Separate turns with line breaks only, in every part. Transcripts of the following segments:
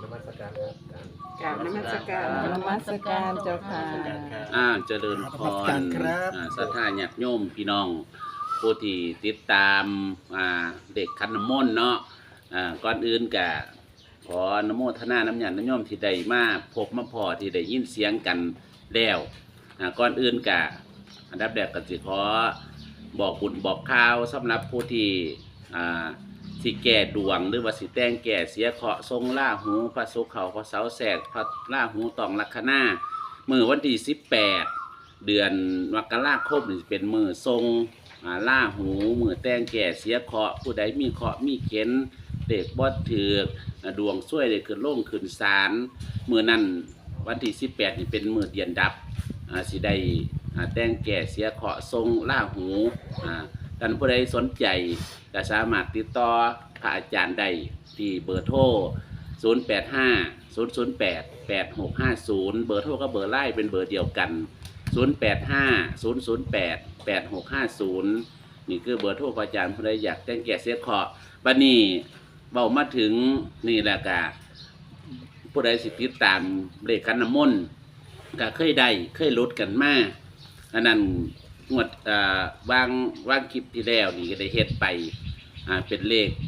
มัสการครับ
กราบนมัสการ
นมัสการเจ้าค่ะ
เจริญพรศรัทธาญาติโยมพี่น้องผู้ที่ติดตามเด็กขันน้ำมนต์เนาะก่อนอื่นกะขออนโมทนาน้ำญาติน้ำโยมที่ได้มาพบมาพอที่ได้ยินเสียงกันแล้วก่อนอื่นกะอันดับแรกก็สิขอบอกบุญบอกข่าวสำหรับผู้ที่สิแก่ดวงหรือว่าสิแต่งแก่เสียเคราะห์ทรงล่าหูพระศุกร์เขาพระเสาร์แสกพระล่าหูตองลัคนามื้อวันที่18เดือนมกราคมนี่เป็นมื้อทรงล่าหูมื้อแต่งแก่เสียเคราะห์ผู้ใดมีเคราะห์มีเข็นเด็กบ่ถือกดวงช่วยได้ขึ้นลงขึ้นศาลมื้อนั้นวันที่18นี่เป็นมื้อเดือนดับสิได้แต่งแก่เสียเคราะห์ทรงล่าหูท่านผู้ใดสนใจก็สามารถติดต่อพระอาจารย์ได้ที่เบอร์โทร 085 008 8650 เบอร์โทรกับเบอร์ไลน์เป็นเบอร์เดียวกัน 085 008 8650 นี่คือเบอร์โทรพระอาจารย์ผู้ใดอยากแต่งแก่เสียเคราะห์บัดนี้เบามาถึงนี่แหละกะผู้ใดสิติดตามเลขขันน้ำมนต์ก็เคยได้เคยลดกันมาอันนั้นงวดวางคลิปที่แล้วนี่ก็ได้เฮ็ดไปเป็นเลข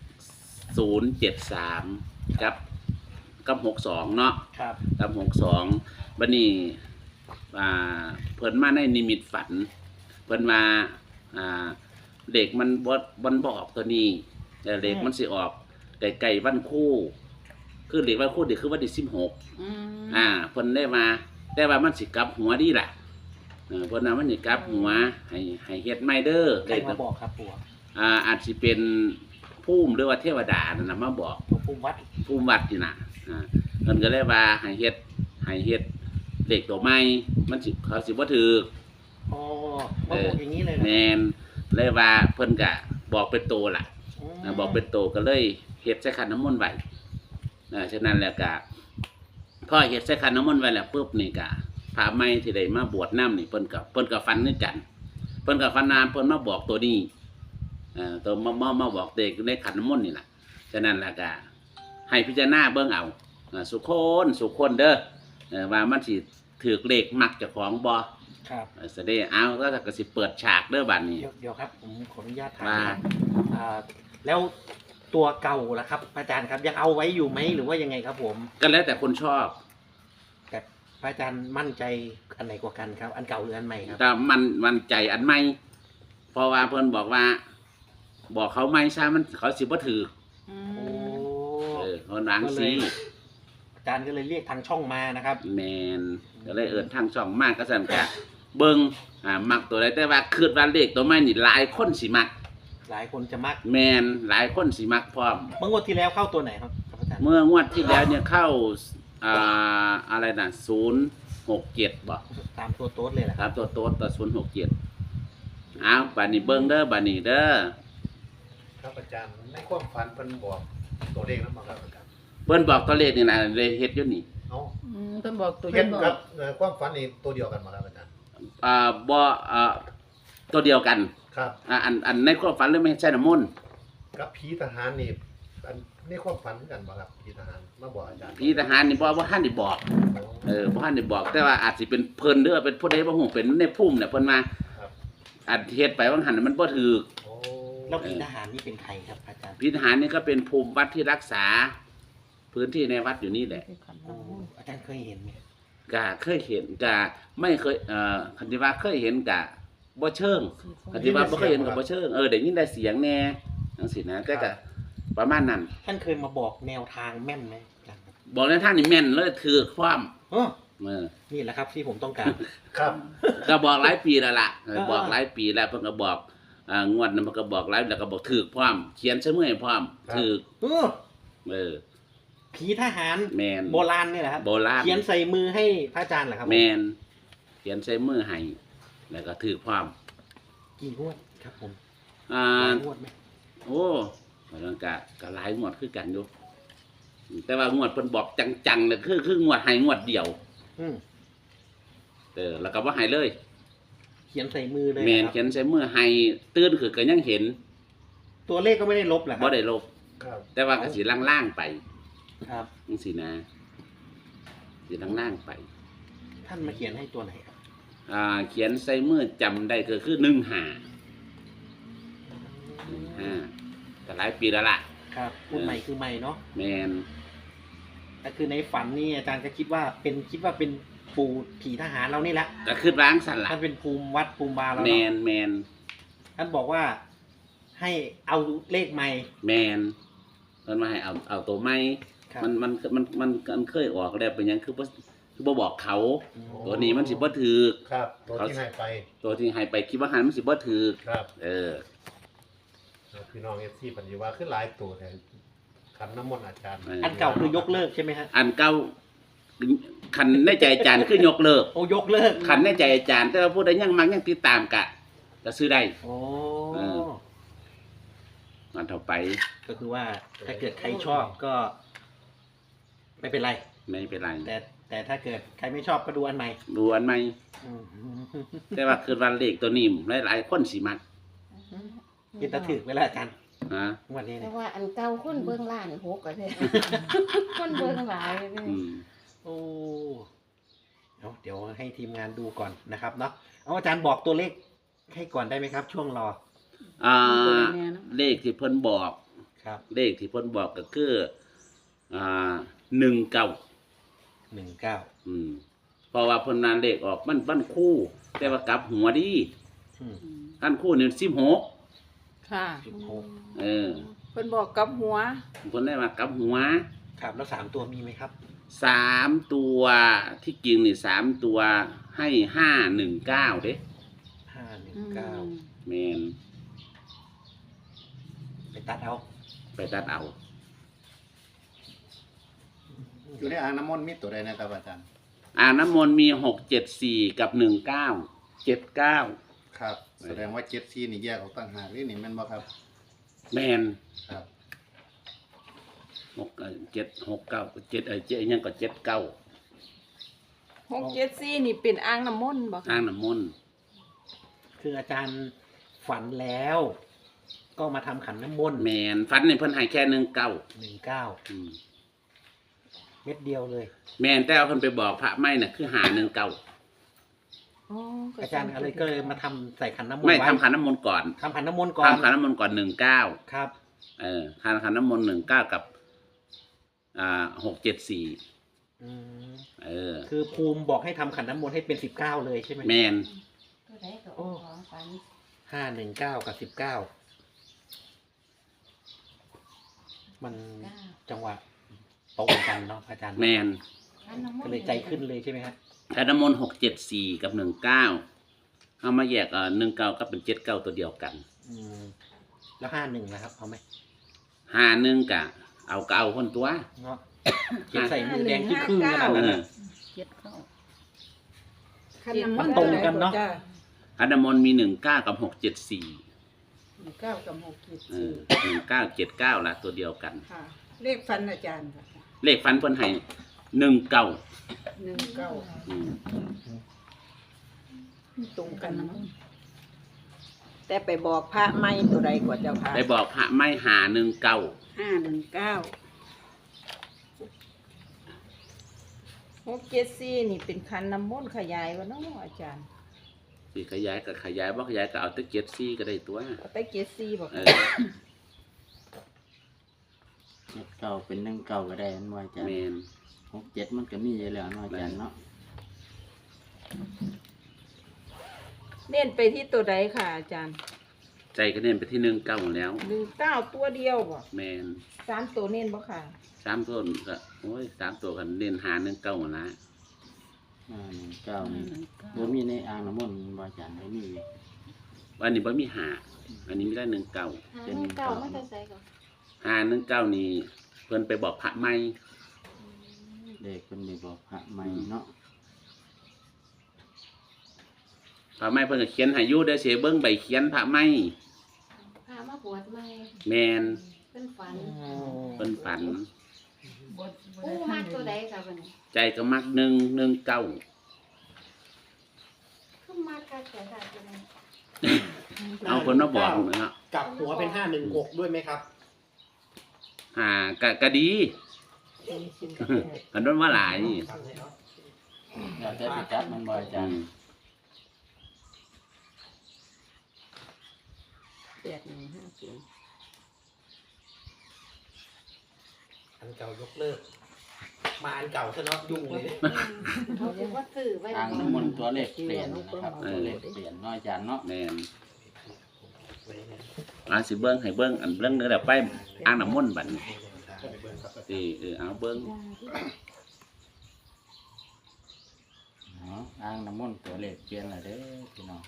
073กับ62เนาะ
ครับ
กับ62บัดนี้เพิ่นมาในนิมิตฝันเพิ่นมาเด็กมันบ่บอกตัวนี้แต่เด็กมันสิออกไก่วันคู่คือเด็กวันคู่เด็กคือวันที่16เพิ่นได้มาแต่ว่ามันสิกลับหัวดีล่ะเพิ่นน่ะมันสิกลับหัวให้เฮ็ดใหม่เด้อ
ใครมาบอกครับปู่
อาจสิเป็นภูมิหรือว่าเทวดานั่นน่ะมาบอก
ภูมิวัด
ภูมิวัดนี่น่ะเพิ่นก็เลยว่าให้เฮ็ดเด็กตัวใหม่มันสิเขาสิบ่ถูก
อ๋อมาบอกอย่างนี้เลย
แม่นเลยว่าเพิ่นก็บอกเป็นโตล่ะบอกเป็นโตก็เลยเฮ็ดใส่ขันน้ำมนต์ไว้ฉะนั้นแล้วก็พอเฮ็ดใส่ขันน้ำมนต์ไว้แล้วปุ๊บนี่ก็พระใหม่ที่ได้มาบวชน้ำนี่เพิ่นก็ฟันนึกกันเพิ่นก็ฟันนามเพิ่นมาบอกตัวนี้ตัวมาบอกเด็กในขันน้ำมนต์นี่ล่ะฉะนั้นแล้วก็ให้พิจารณาเบิ่งเอาสุคนเด้อว่ามันสิถือเลขมักเจ้าของบ่
ครับ
แสดงเอาก็สิเปิดฉากเด้อบัดนี้
เดี๋ยวครับผมขออนุญาตถาม
ว่า
แล้วตัวเก่าล่ะครับอาจารย์ครับยังเอาไว้อยู่ไหมหรือว่ายังไงครับผม
ก็แล้วแต่คนชอบ
แต่พระอาจารย์มั่นใจอันไหนกว่ากันครับ อันเก่าหรืออันใหม่ครับ
แต่มันใจอันใหม่เพราะว่าเพิ่นบอกว่า บอกเขาไม่ใช่มันเขาสิบ่ถือ
โอ้
เพิ่นวางสิ
อาจารย์ก็เลยเรียกทางช่องมานะครับ
แมนก็เลยทางช่องมากก็สั่นกะเบิ่งมักตัวใดแต่ว่าคิดว่าเลขตัวใหม่นี่หลายคนสิมัก
หลายคนจะมัก
แมนหลายคนสิมักพร้อม
เมื่องวดที่แล้วเข้าตัวไหนครับอาจารย์
เมื่องวดที่แล้วเนี่ยเข้าอะไรนะ067บ่
ตามตัวโต๊ดเลยแหละ
ครับตัวโต๊ดตัว067เอาบัดนี้เบิ่งเด้อบัดนี้เด้อ
ครับอาจารย์ในความฝันเพิ่นบอกตัวเลขนั้นมาครับอาจารย์
เพิ่นบอกตัวเลขนี่นะเลยเฮ็ดอยู่นี่
เอ้า
เพิ่นบอกตัว
เห็น
บอ
กับ
ก
ความฝันนี่ตัวเดียวกันมาครับอาจารย์
บ่ตัวเดียวกัน
ครับ
อันในความฝันหรือไม่ใช่น้ำมนต์
กับผีทหารนี่อันในความฝันกันมาครับผีทหารมาบอกอาจารย์
พี่ทหารนี่บ่ทันได้บอกบ่ทันได้บอกแต่ว่าอาจสิเป็นเพิ่นหรือว่าเป็นผู้ใดบ่ฮู้เป็นในภูมิเนี่ยเพิ่นมา
ครับ
อันเฮ็ดไปว่าหั่นมันบ่ถูก
โอ้
แล้วผีทหารนี่เป็นใครครับอาจารย์
พี่ทหารนี่ก็เป็นภูมิวัดที่รักษา พื้นที่ในวัดอยู่นี่แหละ
โอ้อาจารย์เคยเห็นไหม
ก็เคยเห็นก็ไม่เคยคันที่ว่าเคยเห็นก็บ่เชิงคันที่ว่าบ่เคยเห็นก็บ่เชิงได้ยินได้เสียงแน่จังซี่นะแต่ก็ประมาณนั้น
ท่านเคยมาบอกแนวทางแม่นไหมอาจารย์ครับ
บอกในทางนี่แม่นเลยถือความ
เออ
นี่
นี่แหละครับที่ผมต้องการ
ครับ
ก็บอกหลายปีแล้วล่ะ
เออ
บอกหลายปีแล้วเพิ่นก็บอกงวดนั้นมันก็บอกหลายแล้วก็บอกถือความเขียนใช้มือให้พร้อมถือ
เออ
เออ
ผีทหาร
แมน
โบราณเนี่ยแหละครับ
โบราณ
เขียนใส่มือให้พระอาจารย์เหรอครับ
แมนเขียนใช้มือให้แล้วก็ถือความ
กี่งวดครับผม
อ่
หลา
า
ยงวดไหม
โอ้มันก็หลายงวดคือกันอยู่แต่ว่างวดเพิ่นบอกจังๆเนี่ยคืองวดให้งวดเดียว
อืม
แล้วก็บ่ให้เลย
เขียนใส่มือเลย
แมน
นะครับ
เขียนใช้มือให้ตื่นคือก็ยังเห็น
ตัวเลขก็ไม่ได้ลบเหรอค
บ่
รับ
ได้ลบ
ครับ
แต่ว่าก็สิล่างๆไป
ครับ
จังซี่นะสิทางล่างไป
ท่านมาเขียนให้ตัวไหนครับ
เขียนใส่มือจำได้ก็คือ15แต่หลายปีแล้วล่ะ
ครับพูดใหม่คือใหม่เนาะ
แมน
ก็คือในฝันนี่อาจารย์ก็คิดว่าเป็นปู่ผีทหารเรานี่แหละ
ก็คือล้างสั่นล่ะ
ท่านเป็นภูมิวัดภูมิบาเรา
แม
เนาะ
นแมน
ท่านบอกว่าให้เอาเลขใหม่
แมนเพิ่นมาให้เอาตัวใหม่
ครับ
มันเคยออกแล้วเป็นหยังคือบ่บอกเขา
อืม
ตัวนี้มันสิบ่ถูก
ครับตัวที่ให้ไป
ตัวที่ให้ไปคิดว่าหันมันสิบ่ถูก
ครับ พี่น้องFCปัญญาว่าขึ้นหลายตัวแต่ขันน้ำมนต์อาจารย์
อันเก่าคือยกเลิกใช่ไหมฮะ
อันเก่าคันในใจอาจารย์คือยกเลิก
โอ้ยกเลิก
คันในใจอาจารย์แต่ว่าผู้ใดยังมักยังติดตามก็ซื้อได้
โอ้
เออ มันเท่าไป
ก็คือว่าถ้าเกิดใครชอบก็ ไม่เป็นไร
ไม่เป็นไร
แต่ถ้าเกิดใครไม่ชอบก็ดูอันใหม่
ดูอันใหม่
อืม
แต่ว่าคือวันเลขตัวนี้หลายๆคนสิมัก
กินตะถึกไว้แล้วอาจารย์
นะ
วันนี้
แต่
เนี่ย
ว่าอันเก่าคนเบิ่งล้านหกก็ได้คนเบิ่งหลายเลย
อืม
โอ้เดี๋ยวให้ทีมงานดูก่อนนะครับเนาะเอาอาจารย์บอกตัวเลขให้ก่อนได้ไหมครับ ช่วงรอ
เลขที่เพิ่นบอก
ครับ
เลขที่เพิ่นบอกก็คือ19
19
เพราะว่าเพิ่นนานเลขออกมันคู่ แต่ว่ากลับหัวดี
อืม
อันคู่นี่16
ค่ะ
เออ
เพิ่นบอกกับหัว
เพิ่นได้มากลับหัว
ครับแล้ว3ตัวมีไหมครับ
3ตัวที่จริงนี่3ตัวให้519เด้
519
แม่น
ไปตัดเอา
ไปตัดเอา
อยู่ในอ่างน้ำมนต์มีตัวใดนะครับอาจารย์
อ่างน้ำมนต์มี674กับ1979
ครับ แสดงว่า7ซีนี่แยกออกต่างหากนี่แม่นบ่ครับ
แม่น
ครับ
769ยังก็79
674นี่เป็นอ่างน้ำมนต์บ่
อ่างน้ำมนต์
คืออาจารย์ฝันแล้ว ก็มาทำขันน้ำมนต์
แม่นฝันนี่เพิ่นให้แค่19
19
อืม
เม็ดเดียวเลย
แม่นแต่เอาเพิ่นไปบอกพระไม่น่ะคือ519
อ๋อ
อาจารย์อะไรก็เลยมาทำใส่ขันน้ำมนต์
ไม่
ว้
ทำขันน้ำมนต์ก่อน
ทำขันน้ำมนต์ก่อน
ทำขันน้ำมนต์ก่อน19
ครับ
ขันน้ำมนต์19กับ674
อืม
คือ
ภูมิบอกให้ทำขันน้ำมนต์ให้เป็น19เลยใช่ไหม
แม่น
ตัวใดก็ออกของฝัน
519 กับ 19 มันจังหวะตรงกันเนาะอาจารย์
แม่น
ก็เลยใจขึ้นเลยใช่ไหมครับ
ขันน้ำมนต์674กับ19เอามาแยก19ก็เป็น79ตัวเดียวกัน
อืมแล้ว51นะครับเอาไหม
51ก็เอาคนตัว
เนาะเขียนใส่มือแดงที่ครึ่งขนาดนั้น
เอ
น่ะ
อ
มันตรงกันเนาะ
ขันน้ำมนต์มี19กับ674
9กับ
1979ละตัวเดียวกัน
6ค่ะเลขฟันอาจารย์ค่ะ
เลขฟันเพิ่นให้19
19
อืม
ตรงกันเนาะแต่ไปบอกพระไม่ตัวใดกว่าเจ้าค่ะ
ไปบอกพระไม่หา19
674นี่เป็นคันน้ำมนต์ขยายวะเนาะอาจารย์
สิขยายก็ขยายบ่ขยายก็เอาแต่74ก็ได้ตัว
เอาแต่74บ่
เอ
ค่ะ
อ
7 9เป็น1 9ก็ได้อันว่าอาจารย์
แม่น
6 7มันก็มีอยู่แล้วเนาะอาจารย์เนาะ
เน้นไปที่ตัวใดค่ะอาจารย์
ใจก็เน้นไปที่19แล้ว
19ตัวเดียวบ่
แม่น
3ตัวเน้นบ่ค่ะ
3ตัวก็โอ้ย3ตัวกันเน้นหา19นั่นนะ
1 9นี่บ่มีในอ่างน้ำมนต์ว่าอาจารย์บ่มี
วันนี้บ่มีหาอันนี้มีได้19
เป็น
เก่ามาแต่ใส่ก่อน
หา19นี่เพิ่นไปบอกพระไม่
เด็กเพิ่นได้บอกพระใหม่เนาะ
พระไม่เพิ่นก็เขียนให้อยู่เด้อสิเบิ่งใบเขียนพระไม่
พามาบวชใหม่
แม่น
เพิ่นฝัน
เพิ่นฝัน
ปูมากตัวใดค่ะบัดนี้
ใจก็มัก119
คือมากคักแต่ค่ะตัวนี้
เอาเพิ่นมาบอกนะฮะ
กลับหัวเป็น516ด้วยไหมครับ
ก็ดีกันโดนว่าหลาย
อยากจะสิจับมันบ่อาจารย์
8150
อันเก่ายกเลิก มาอันเก่าซะเนาะยุ่งเลย
เขาสิว่าซื้อไว้
อ่างน้ำมนต์ตัวเลขเปลี่ยนนะครับตัวเลขเปลี่ยนเน้อยอาจารย์เนาะ
แม่นสิเบิ่งให้เบิ่งอันเบิ่งเด้อแล้วไปอ่างน้ำมนต์บัดนี้สิเอาเบิ่ง
อ่างน้ำมนต์ตัวเลขเปลี่ยนแล้วเด้อพี่น้อง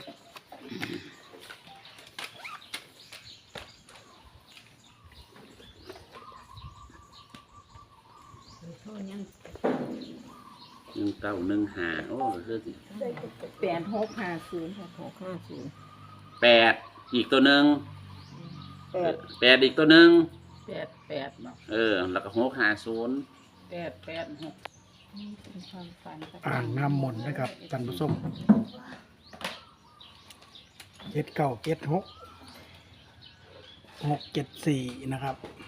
1915โอ้คือสิ
8650
8อีกตัวหนึง
8
8อีกตัวหนึง
88เนาะ
แล้วก็650
886เป็นความฝัน
อ่างน้ำมนต์นะครับท่านผู้ชม7976 674นะครับ